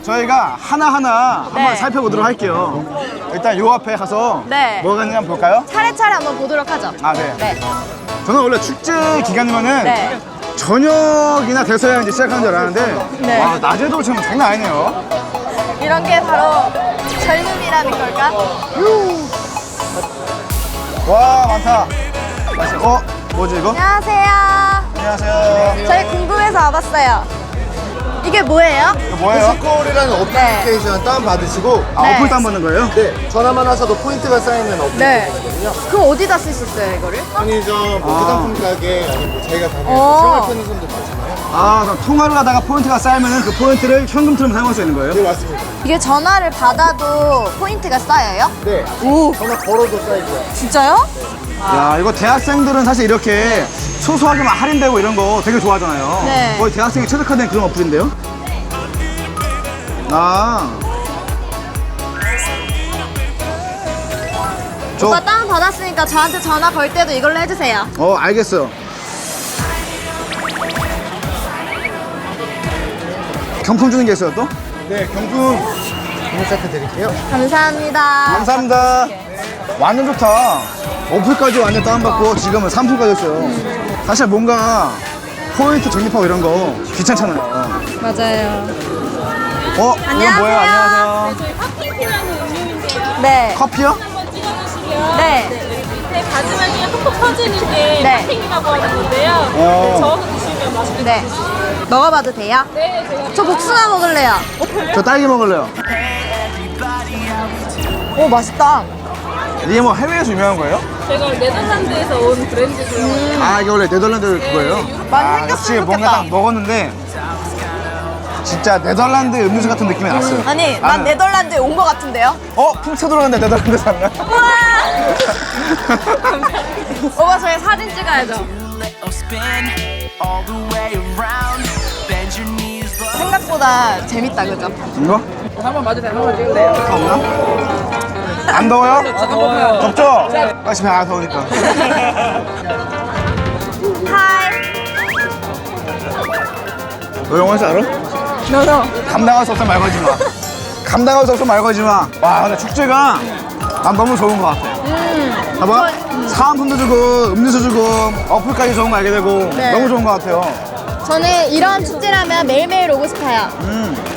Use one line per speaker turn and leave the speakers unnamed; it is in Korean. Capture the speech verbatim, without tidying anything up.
저희가 하나하나
네.
한번 살펴보도록 할게요. 일단 요 앞에 가서
네.
뭐가 있는지 한번 볼까요?
차례차례 한번 보도록 하죠.
아, 네.
네.
저는 원래 축제 기간이면은
네.
저녁이나 돼서야 이제 시작하는 줄 알았는데
네.
와, 낮에도 지금 장난 아니네요.
이런 게 바로 젊음이라는 걸까?
와, 많다. 맛있어. 어? 뭐지 이거?
안녕하세요.
안녕하세요.
저희 궁금해서 와봤어요. 이게 뭐예요?
이거 뭐예요?
뮤직콜이라는 어플리케이션 다운받으시고
아,
네.
어플 다운받는 거예요?
네, 전화만 하셔도 포인트가 쌓이는
네.
어플리케이션이거든요.
그럼 어디다 쓸 수 있어요, 이거를?
편의점, 뭐
아.
화장품 가게, 아니면 뭐 저희가 가게
어.
생활 편의점도 많잖아요.
아, 그럼 통화를 하다가 포인트가 쌓이면은 그 포인트를 현금처럼 사용할 수 있는 거예요?
네, 맞습니다.
이게 전화를 받아도 포인트가 쌓여요?
네,
오,
전화 걸어도 쌓이고요.
진짜요?
야, 이거 대학생들은 사실 이렇게 소소하게만 할인되고 이런 거 되게 좋아하잖아요.
네.
거의 대학생이 최적화된 그런 어플인데요? 아. 저,
오빠 다운 받았으니까 저한테 전화 걸 때도 이걸로 해주세요.
어, 알겠어요. 경품 주는 게 있어요, 또?
네, 경품 경품 세트 드릴게요.
감사합니다.
감사합니다. 완전 좋다. 어플까지 완전 다운받고 지금은 상품까지 했어요. 사실 뭔가 포인트 적립하고 이런 거 귀찮잖아요.
맞아요.
어? 이건 뭐예요? 안녕하세요.
저희 커피티라는 음료인데요.
네.
커피요?
한번 찍어주시면
네.
밑에 가지막이가 톡톡 터지는 게
네.
팥핑이라고 하는 건데요.
어.
네, 저어서 드시면 맛있게
네. 먹어봐도 돼요?
네, 제가
저 복숭아 먹을래요.
저 딸기 먹을래요.
오, 맛있다.
이게 뭐 해외에서 유명한 거예요?
제가 네덜란드에서 온 브랜드고요.
아, 이게 원래 네덜란드 그거예요?
많이
아,
생겼으면
역시 뭔가
좋겠다.
딱 먹었는데 진짜 네덜란드 음료수 같은 느낌이 났어요.
아니, 난
나는-
네덜란드에 온 것 같은데요?
어? 풍 쳐들어갔는데 네덜란드 샀나?
우와! 오빠, 저희 사진 찍어야죠. 생각보다 재밌다, 그죠?
이거?
한번 맞으세요. 한번 찍으세요.
없나? 안 더워요?
아, 더워요.
덥죠? 다시 아 더우니까.
하이.
너 영어 할줄 알아?
너너.
감당할 수 없어 말 걸지 마. 감당할 수 없어 말 걸지 마. 와, 근데 축제가 난 너무 좋은 것 같아.
음.
봐봐. 사은품도 주고 음료수 주고 어플까지 좋은 거 알게 되고
네.
너무 좋은 것 같아요.
저는 이런 축제라면 매일매일 오고 싶어요.
음.